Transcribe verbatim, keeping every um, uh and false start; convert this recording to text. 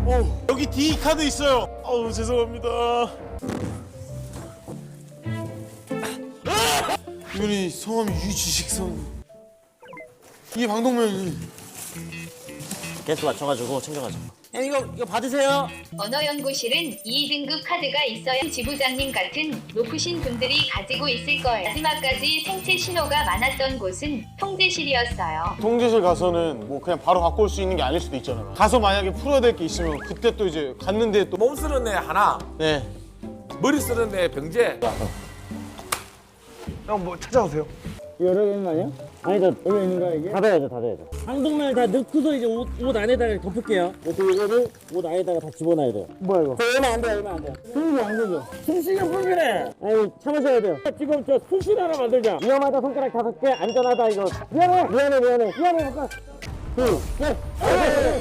어, 여기 D 카드 있어요. 어우, 죄송합니다. 이분이 성함이 유지식선. 이게 방독면이. 개수 맞춰가지고 챙겨가지고. 형 이거 이거 받으세요. 언어연구실은 이 등급 카드가 있어야 지부장님 같은 높으신 분들이 가지고 있을 거예요. 마지막까지 생체 신호가 많았던 곳은 통제실이었어요. 통제실 가서는 뭐 그냥 바로 갖고 올 수 있는 게 아닐 수도 있잖아요. 가서 만약에 풀어야 될 게 있으면 그때 또 이제 갔는데 또. 몸 쓰는 애 하나, 네. 머리 쓰는 애 병재. 형 뭐 찾아오세요. 이거 여러 개 있는 거 아니야? 아니다. 여기 있는 거야 이게? 닫아야죠, 닫아야죠. 방독면을 다 넣고서 이제 옷, 옷 안에다가 덮을게요. 그리고 이거를 옷 안에다가 다 집어넣어야 돼요. 뭐야 이거? 얼마 안 돼, 얼마 안 돼. 숨이 안 되죠? 숨쉬기 불편해. 아니 참으셔야 돼요. 지금 저 숨쉬는 하나 만들자. 위험하다 손가락 다섯 개, 안전하다 이거. 미안해, 미안해, 미안해. 미안해 손가락. 둘, 셋.